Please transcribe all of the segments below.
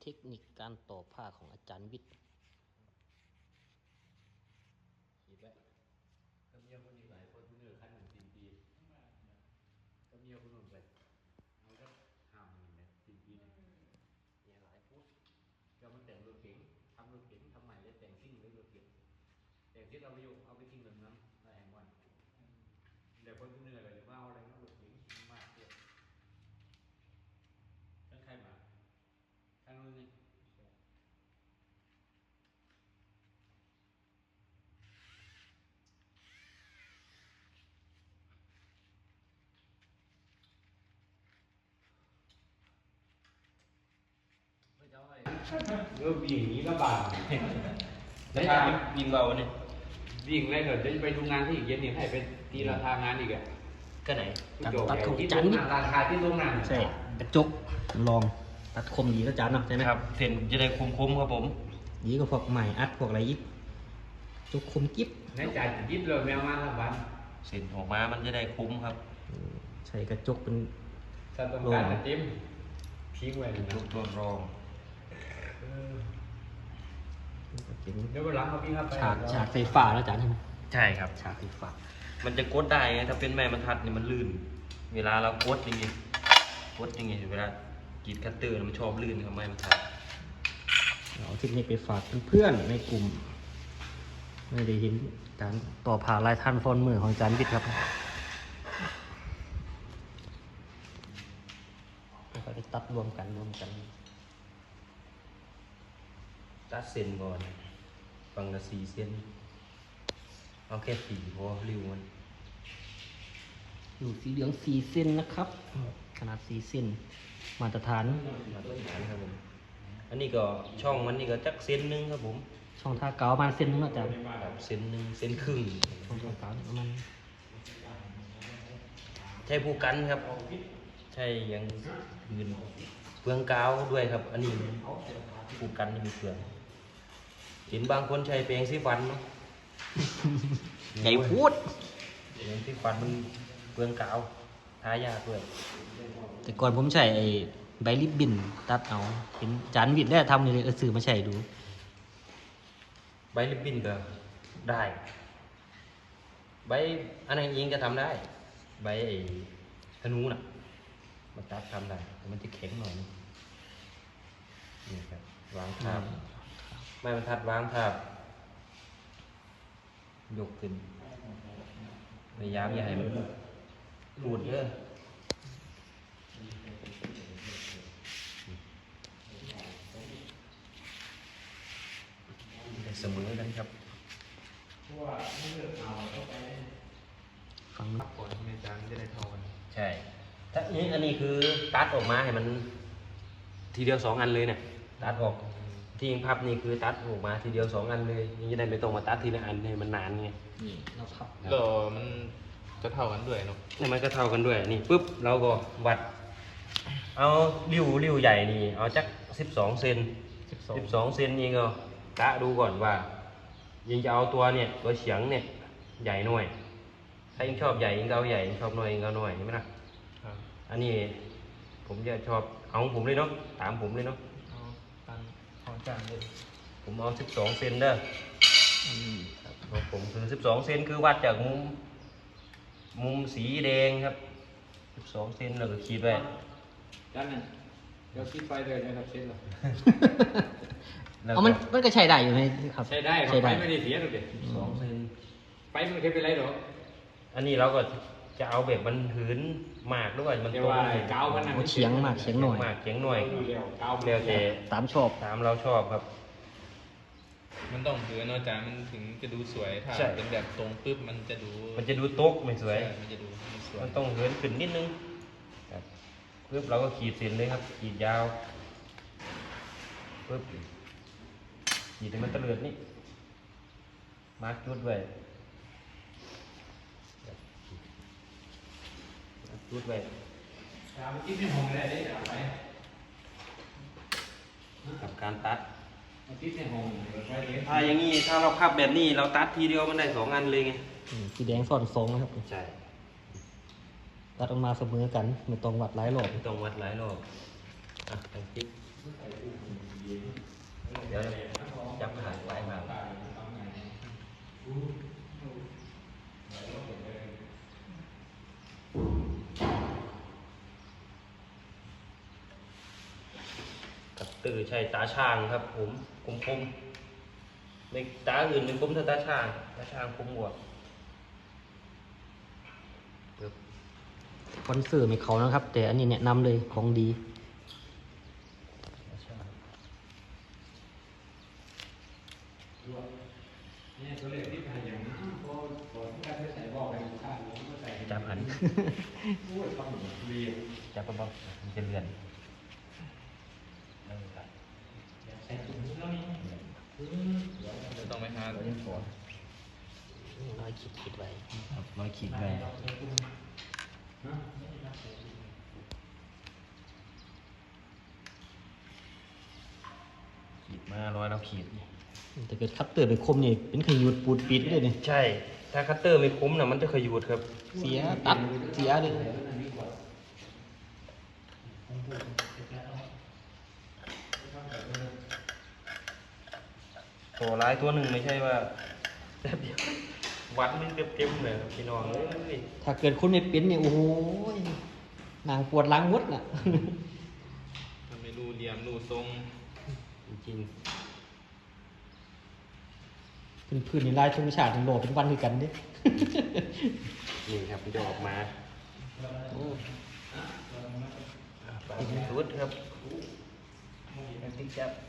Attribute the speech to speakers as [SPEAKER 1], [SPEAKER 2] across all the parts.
[SPEAKER 1] เทคนิคการต่อผ้าของอาจารย์วิทย์
[SPEAKER 2] ขีดไว้ก็เมียคนอีกหลายคนเนื้อขั้น1 ปีก็เมียคนอื่นไปเอาก็ห้ามมันเนี่ย4 ปีเนี่ยหลายฟุตก็มันแต่งรถเก๋งทำรถเก๋งทำใหม่เลยแต่งซิ่งเลยรถเก๋งแต่งที่เราไปอยู่เอาไปทิ้งแบบนั้นในแห่งวันเดี๋ยวคนเหนื่อยเลยว่าเอาอะไรนั่งรถเก๋งมากเกินทั้งใครมาทั้งนู้นนี่ก็วิ่งนี้ก็บาดแล้ววิ่งเบาเนี่ยวิ่งแล้วเดี๋ยวจะไปดูงานที่อีกเย็นนี่ให้เป็นตีราคางานอีกอ่ะ
[SPEAKER 1] ก็ไหนการตัดของ
[SPEAKER 2] ที่
[SPEAKER 1] อาจารย์วิทย์
[SPEAKER 2] ราคาที่โรงงาน
[SPEAKER 1] ใช่กระจกลองตัดคมดีก็อาจารย์เนาะใช่ไหม
[SPEAKER 3] ครับเส้นจะได้คุ้มๆครับผม
[SPEAKER 1] ดีก็พวกใหม่อัดพวกอะไรยิบจกคมกิ๊บ
[SPEAKER 2] ในจ่ายยิบเลยแมวมาละวัน
[SPEAKER 3] เส้นออกมามันจะได้คุ้มครับ
[SPEAKER 1] ใช่กระจกเป็น
[SPEAKER 2] ถ้าต้องการจะจิ้มทิ้งไว้นะ
[SPEAKER 3] ตัวรอง
[SPEAKER 2] เดี๋ยววันหลังเอาพี่ครับไป
[SPEAKER 1] ฉากไฟฟ้าแล้วอาจารย์ใช่ไหม
[SPEAKER 3] ใช่ครับ
[SPEAKER 1] ฉากไฟฟ้า
[SPEAKER 3] มันจะกดได้ไงถ้าเป็นไม้บรรทัดเนี่ยมันลื่น เวลาเรากดอย่างงี้เวลากรีดคัตเตอร์มันชอบลื่นครับไม้บรรทัด
[SPEAKER 1] เอาเทคนิคไปฝากเพื่อนๆในกลุ่มไม่ได้เห็นการต่อผ่าลายทันฟอนมือของอาจารย์วิทย์ครับแล้วก็ได้ตัดรวมกัน
[SPEAKER 3] ตัดเส้นก่อนฝั่งละ4 เส้นเอาแค่4พอริ้วมัน
[SPEAKER 1] อยู่สีเหลือง4 เซนนะครับ ขนาด4 เซนมาตรฐาน
[SPEAKER 3] มาตรฐานครับผมอันนี้ก็ช่องมันนี่ก็จักเส้นหนึงครับผม
[SPEAKER 1] ช่องท่าเก๋าประมาณเซนนึงเนาะอาจารย์
[SPEAKER 3] ครับเส้นหนึงเส้นครึ่ง
[SPEAKER 1] ช่องท่าเก๋าประมาณ
[SPEAKER 3] ใช่ผู้กันครับ ใช่ยังอื่นเปลืองกาวด้วยครับ อันนี้ผู้กันนี่มีเปลืองเห็นบางคนใช้แปรงสีฟันเนาะ
[SPEAKER 1] ใหญ่พูด
[SPEAKER 3] แปรงสีฟันมันเปลืองกาวทายากด้วย
[SPEAKER 1] แต่ก่อนผมใช้ไอ้ใบริบบิ้นตัดเอาเห็นอาจารย์วิทย์ได้ทำเลยซื้อมาใช้ดู
[SPEAKER 3] ใบริบบิ้นก็ได้ ใบอันนั้นเองก็ทำได้ ใบไอ้ธนูน่ะมันตัดทำได้แต่มันจะแข็งหน่อยนึงนี่ครับวางทาบไม้บรรทัดวางทาบยกขึ้นพยายามอย่าให้มันรูดเยอะได้เสมอกันครับ
[SPEAKER 1] ฟัง
[SPEAKER 2] ก่อนที่อาจารย์จะได้เท่ากัน
[SPEAKER 3] ใช่ถ้าอันนี้คือตัดออกมาให้มันทีเดียว2 อันเลยเนี่ยตัดออกที่ยิงพับนี่คือตัดออกมาทีเดียว2 อันเลยนี่จะได้ไม่ต้องมาตัดทีละอันให้มันนานไง
[SPEAKER 1] นี่เราพับ
[SPEAKER 4] แล้วมันจะเท่ากันด้วยเนาะ
[SPEAKER 3] นี่มันก็เท่ากันด้วยนี่ปุ๊บเราก็วัด เอาริ้วใหญ่นี่เอาจัก12 เซน12 เซนนี่ก็กะดูก่อนว่ายิงจะเอาตัวเนี่ยตัวเฉียงเนี่ยใหญ่หน่อยถ้ายิงชอบใหญ่ยิงก็เอาใหญ่ยิงชอบน้อยยิงก็เอาน้อยเห็นไหมล่ะ
[SPEAKER 4] ครับ
[SPEAKER 3] อันนี้ผมจะชอบเอาของผมเลยเนาะตามผมเลยเนาะ
[SPEAKER 4] เอาตังของจานเลย
[SPEAKER 3] ผมเอา12 เซนเด้อครับของผมคือ12 เซนคือวัดจากมุมสีแดงครับ12 เซนแล้วก็ขีดไว้
[SPEAKER 2] ด้านนั้นเดี๋ยวคิดไปเลยนะครับเช่นหรอ
[SPEAKER 3] แล้ว
[SPEAKER 1] เอามันก็ใช้ได้อยู่ไหมครับ
[SPEAKER 2] ใช้ได้
[SPEAKER 1] ใช้
[SPEAKER 2] ไป
[SPEAKER 1] ได้
[SPEAKER 2] ไม่ได้เสียหรอกเด็ก
[SPEAKER 3] 2 เซน
[SPEAKER 2] ไปมันเคยเป็นไรหรอ
[SPEAKER 3] อันนี้เราก็จะเอาแบบมันหืนมากด้วยมัน
[SPEAKER 2] แต่
[SPEAKER 3] ตรง
[SPEAKER 2] ว่าเกามันนะ
[SPEAKER 1] เฉียงมากเฉียงหน่อย
[SPEAKER 3] มากเฉียงหน่อย
[SPEAKER 2] เกา
[SPEAKER 3] เร็วแต่
[SPEAKER 1] ตามชอบ
[SPEAKER 3] ตามเราชอบครับ
[SPEAKER 4] มันต้องถือเนาะจานมันถึงจะดูสวยถ้า
[SPEAKER 3] ใช่
[SPEAKER 4] เป็นแบบตรงปุ๊บมันจะดู
[SPEAKER 3] มันจะดูโต๊ะไม่สวย
[SPEAKER 4] ใช่มันจะดูไม่สวย
[SPEAKER 3] มันต้องเหินขึ้นนิดนึงครับปึ๊บเราก็ขีดเส้นเลยครับขีดยาวปึ๊บขีดให้มันตะเลือดนี่มาร์กจุดไว้มาร์คจุดไว้
[SPEAKER 2] คิดในห้องได้ไป
[SPEAKER 3] กับการตัด
[SPEAKER 2] คิดในห้องไปเลย
[SPEAKER 3] ถ้าอย่างนี้ถ้าเราพับแบบนี้เราตัดทีเดียวมันได้2 อันเลยไง
[SPEAKER 1] สีแดงซ่อนทรงนะครับ
[SPEAKER 3] ใช่
[SPEAKER 1] ตัดออกมาเสมอกันไม่ต้องวัดหลายรอบ
[SPEAKER 3] ไม่ต้องวัดหลายรอบอ่ะตั้งติ๊กเดี๋ยวจับขาไว้มากับตื่นใช้ตาช่างครับผมคมๆในตาอื่นเป็นคมเท่าตาช่างคมกว่า
[SPEAKER 1] คอนเสิร์ตไม่เขานะครับ แต่อันนี้แนะนำเลยของดี
[SPEAKER 2] เนี่ยตัวเลขที่ผ่านอย่างนั้นพอที่การใส่บอกไปข้างนี้ก็ใส่
[SPEAKER 3] จับหัน
[SPEAKER 2] พูดต้องเรียน
[SPEAKER 3] จับก็บอกมันจะเลื่อน
[SPEAKER 2] ใส่ถุงแล้วนี่
[SPEAKER 4] จะต้องไปหา
[SPEAKER 1] น้อยคิดไว้
[SPEAKER 3] ครับร้อยขีดไปขีดมาร้อยแล้วขีด
[SPEAKER 1] แต่เกิดคัตเตอร์ไปคมนี่เป็นขยุดปูดปิดเลยนี่
[SPEAKER 3] ใช่ ถ้าคัตเตอร์ไม่คมนะมันจะขยูดครับ
[SPEAKER 1] เสียตัดเสียเลย
[SPEAKER 3] ตัวร้ายตัวหนึ่งไม่ใช่ว่าแป๊บเดียววัดมันเต็มๆเลยครับพี่น้องเอ้ย
[SPEAKER 1] ถ้าเกิดคุณไม่เป็นเนี่ยโอ้โหนางปวดหล้างมดน่ะ
[SPEAKER 4] มันไม่รู้เหลี่ยมรู้ทรง
[SPEAKER 3] จริง
[SPEAKER 1] พื้นๆในลายธงชาติโหลเป็นวันคือกันเด้
[SPEAKER 3] ๆนี่ครับมันจะออกมาโอ้ปลาสุดครับติ๊กจับ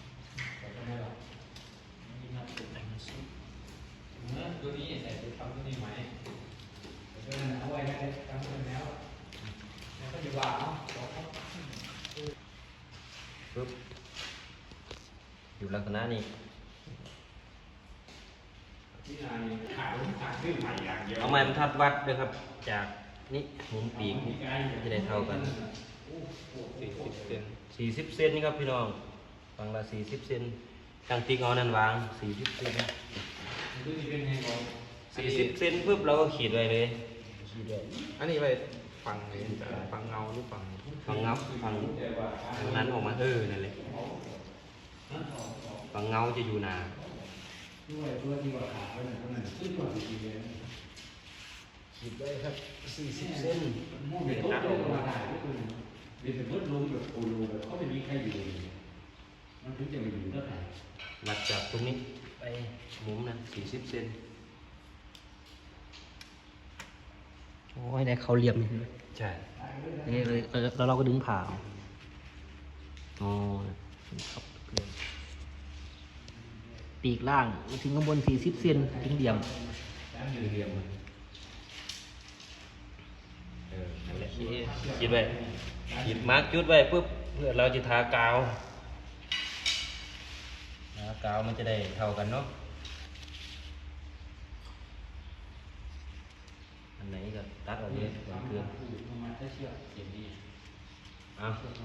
[SPEAKER 2] ตัวนี้ใส่ไปทำตัวนี้ไหมเอาไว้ได้ทำไปแล้วแล้วก็จะวางเนาะ
[SPEAKER 3] ปึ๊บอยู่ลักษณะนี้
[SPEAKER 2] ที่นายขาดขึ้นใหม่อย่างเดียว
[SPEAKER 3] เอาไม้บรรทัดวัดด้วยครับ จากนี่มุมปีกจะได้เท่ากัน
[SPEAKER 4] 40 เซน
[SPEAKER 3] 40 เซนครับพี่น้องฝั่งละ40 เซนทางติ๊กเอานั่นวาง40 เซน
[SPEAKER 2] ตัวนี้เป็นไงก่อน
[SPEAKER 3] 40 เซนปุ๊บเราก็ขีดไว้เลยขีดไว้
[SPEAKER 4] อันนี้ไปฝั่งไหนฝั่งเงาหรือฝั่ง
[SPEAKER 3] ฝั่งเงาฝั่งนั้นออกมานั่นแหละฝั่งเงาจะอยู่หนา
[SPEAKER 2] ด้วยตัวที่ว่าขาเป็นคนนั้นซึ่งตัวที่ดีเลย
[SPEAKER 3] ขีดไว้ครับ40 เซน
[SPEAKER 2] มุ่งไปตัดออกมาได้ก็คือเป็นสมมติลงแบบโอโลแบบเขาไม่มีใครอยู่มันถึงจะมาอยู่ได้
[SPEAKER 3] วัดจากตรงนี้ไปมุมนั้น40 เซน
[SPEAKER 1] โอ้ยได้เขาเหลี่ยมนี่
[SPEAKER 3] ใช่
[SPEAKER 1] นี่เลยแล้วเราก็ดึงผ่าเอาอ๋อครับปีกล่างมาถึงข้างบน40 เซนถึงเหลี่ยม
[SPEAKER 3] เหลี่ยมนั่นแหละขีดไว้ขีดมาร์กจุดไว้ปุ๊บเพื่อเราจะทากาวกาวมันจะได้เท่ากันเนาะอันไหนก็ตัดออกเลยเหมือนเกลือ
[SPEAKER 2] มันจะเชื่อเสียงดี
[SPEAKER 3] เอา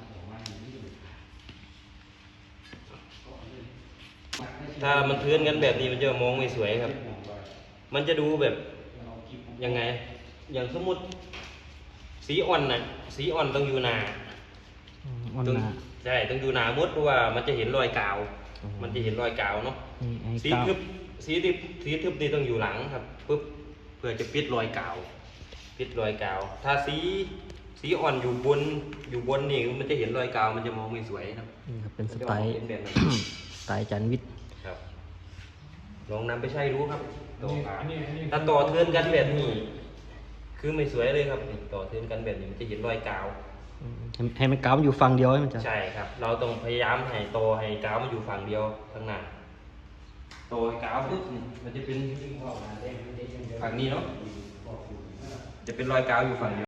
[SPEAKER 3] ถ้ามันเทือนกันแบบนี้มันจะมองไม่สวยครับ มันจะดูแบบยังไง อย่างสมมติสีอ่อนน่ะ สีอ่อนต้องอยู่หนา
[SPEAKER 1] อ่อน
[SPEAKER 3] ต้อง
[SPEAKER 1] หนา
[SPEAKER 3] ใช่ต้องอยู่หนามุดเพราะว่ามันจะเห็นรอยกาว
[SPEAKER 1] อ๋อ
[SPEAKER 3] มันจะเห็นรอยกาวเนาะ
[SPEAKER 1] นี่ไอ้
[SPEAKER 3] สี
[SPEAKER 1] กาว
[SPEAKER 3] ทึบสีทึบนี่ต้องอยู่หลังครับปุ๊บเพื่อจะปิดรอยกาว ปิดรอยกาว ถ้าสีอ่อนอยู่บนนี่มันจะเห็นรอยกาว มันจะมองไม่สวยครับ
[SPEAKER 1] นี่ครับเป็นสไตล์
[SPEAKER 3] มันจะออกเป็นแบบนั้น
[SPEAKER 1] สไตล์จันวิทย์
[SPEAKER 3] ครับ ลองนำไปใช้รู้ครับต่อขาถ้าต่อเทือนกันแบบนี้ คือไม่สวยเลยครับต่อเทือนกันแบบนี้มันจะเห็นรอยกาว
[SPEAKER 1] ให้มันกาวมันอยู่ฝั่งเดียวให้มันจะ
[SPEAKER 3] ใช่ครับ เราต้องพยายามให้ต่อให้กาวมันอยู่ฝั่งเดียวข้างหน้าต่อให้กาวปุ๊บมันจะเป็นฝั่งนี้เนาะ จะเป็นรอยกาวอยู่ฝั่งเดียว